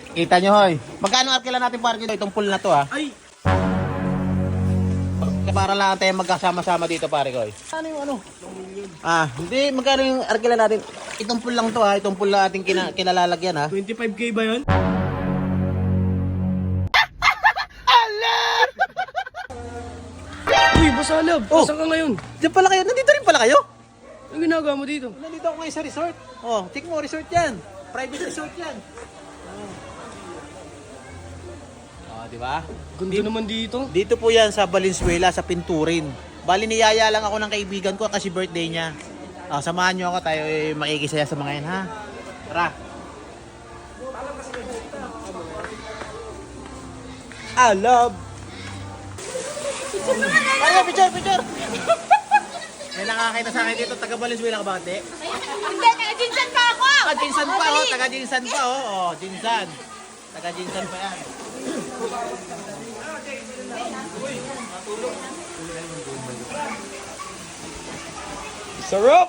Kita nyo, hoy. Magkano arkila natin parking dito? Itong pool na to, ha? Ay! Para lang tayo magkasama-sama dito, pare ko. Ano yung ano? Hindi. Magkano yung arkila natin? Itong pool lang to, ha? Itong pool na ating kinalalagyan, ha? 25k ba yun? Uy, Boss Alab! Oh. Saan ka ngayon? Diyan pala kayo. Nandito rin pala kayo? Anong ginagawa mo dito? Nandito ako ngayon sa resort. Oh, check mo, resort yan. Private resort yan. Oh, di ba? Ganda naman dito. Dito po yan sa Valenzuela, sa Pinturin. Bali niyaya lang ako ng kaibigan ko kasi birthday niya. Samahan nyo ako, tayo makikisaya sa mga yan, ha? Tara. I love. Ay, picture. May nakakita sa akin dito, taga Valenzuela ka ba, ate? Hindi, naka-jinsan pa ako! Taga-jinsan pa, oh. Taga-jinsan pa, oh. Oh, jinsan. Taga-jinsan pa yan. Sarap!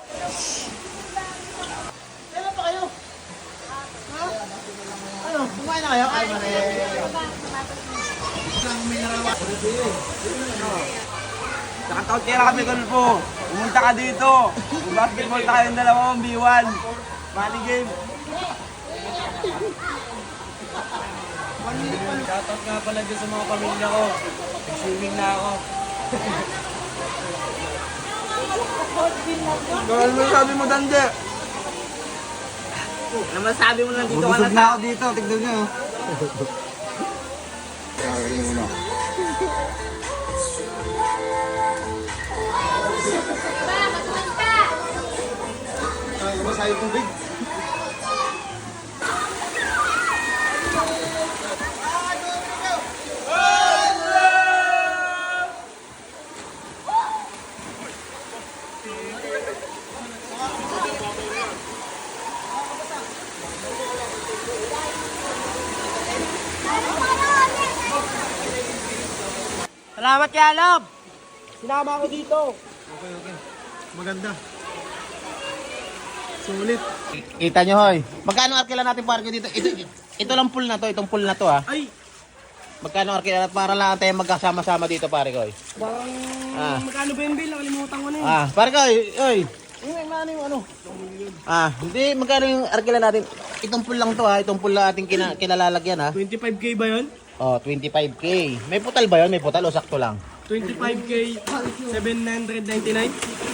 Kailan pa kayo? Ha? Ano? Kumain na kayo? Ay, mare. Nakataot kaya kami, Golfo. Pumunta ka dito. Basketball tayo yung dalawang B1. Money game. Shoutout nga pala dyan sa mga pamilya ko. Nag-swimming na ako. Ano masabi mo, Dande? Ano masabi mo lang dito ka na ako dito. Tignan nyo. Ba, matuman ka! Masabi kong big. Salamat kay Alab! Sinama ako dito. Okay. Maganda. Sulit. Kita nyo, hoy. Magkano arkila natin parking dito? Ito lang pool na to. Itong pool na to, ha? Ay! Magkano arkila natin para lang tayo magkasama-sama dito, pare ko. Parang magkano ba yung bill? Nakalimutan ko na yun. Pare ko, oy. Yung ano? Hindi. Magkano yung arkila natin? Itong pool lang to, ha? Itong pool na ating kinalalagyan, ha? 25k ba yun? Oh, 25k. May putal ba yun? May putal o sakto lang? 25k, 799.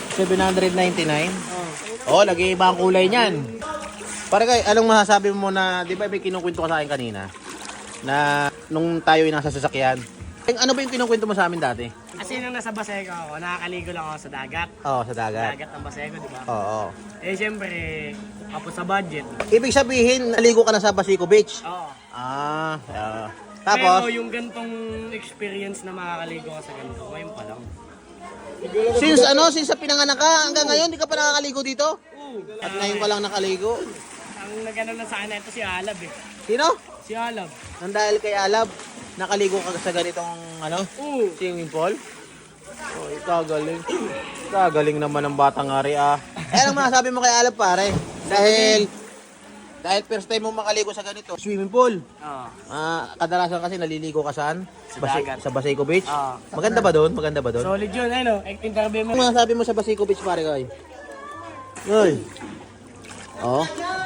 799? Oh, nag-iiba ang kulay niyan. Pare kay, anong masasabi mo na, di ba may kinukwento ka sa akin kanina? Na nung tayo ay nasa sasakyan. Ano ba yung kinukwento mo sa amin dati? Kasi nung nasa Baseco ako, nakakaligo lang ako sa dagat. Oo, sa dagat. Dagat ng Baseco, di ba? Oo. Eh, syempre, kapos sa budget. Ibig sabihin, naligo ka na sa Basico Beach? Oo. Tapos, Pero yung gantong experience na makakaligo ka sa ganito, ngayon pa lang. since sa pinanganak ka, hanggang ngayon, di ka pa nakakaligo dito? Oo. At ngayon ka lang nakaligo? Ang nagano lang sa akin ito si Alab eh. Sino? Si Alab. Nang dahil kay Alab, nakaligo ka sa ganitong, Oo. swimming pool? Oh, kagaling. Kagaling naman ng batang ari, anong masasabi mo kay Alab, pare? Dahil first time mo makaligo sa ganito, swimming pool. Oo. Kadalasan kasi naliligo ka saan? Sa dagat. Sa Basico Beach? Oo. Maganda ba doon? Maganda ba doon? Solid yun, ano? Interview mo. Ano masasabi mo sa Basico Beach, pare ko? Hoy. Oh.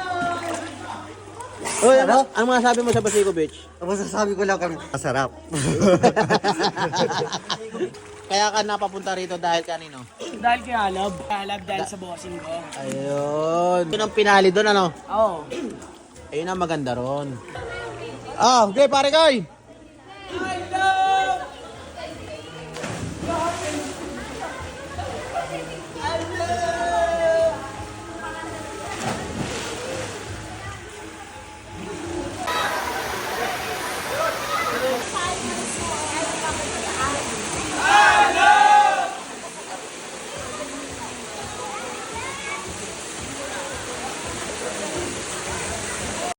Hoy, ano masasabi mo sa Basico Beach? Ang masasabi ko lang kami, masarap. Kaya ka napapunta rito dahil kanino? Dahil kay Alab. Alab dahil sa bossing ko. Ayun. Yun ang pinali doon, ano? Oo. Ayun ang maganda ron. Okay, pare koy.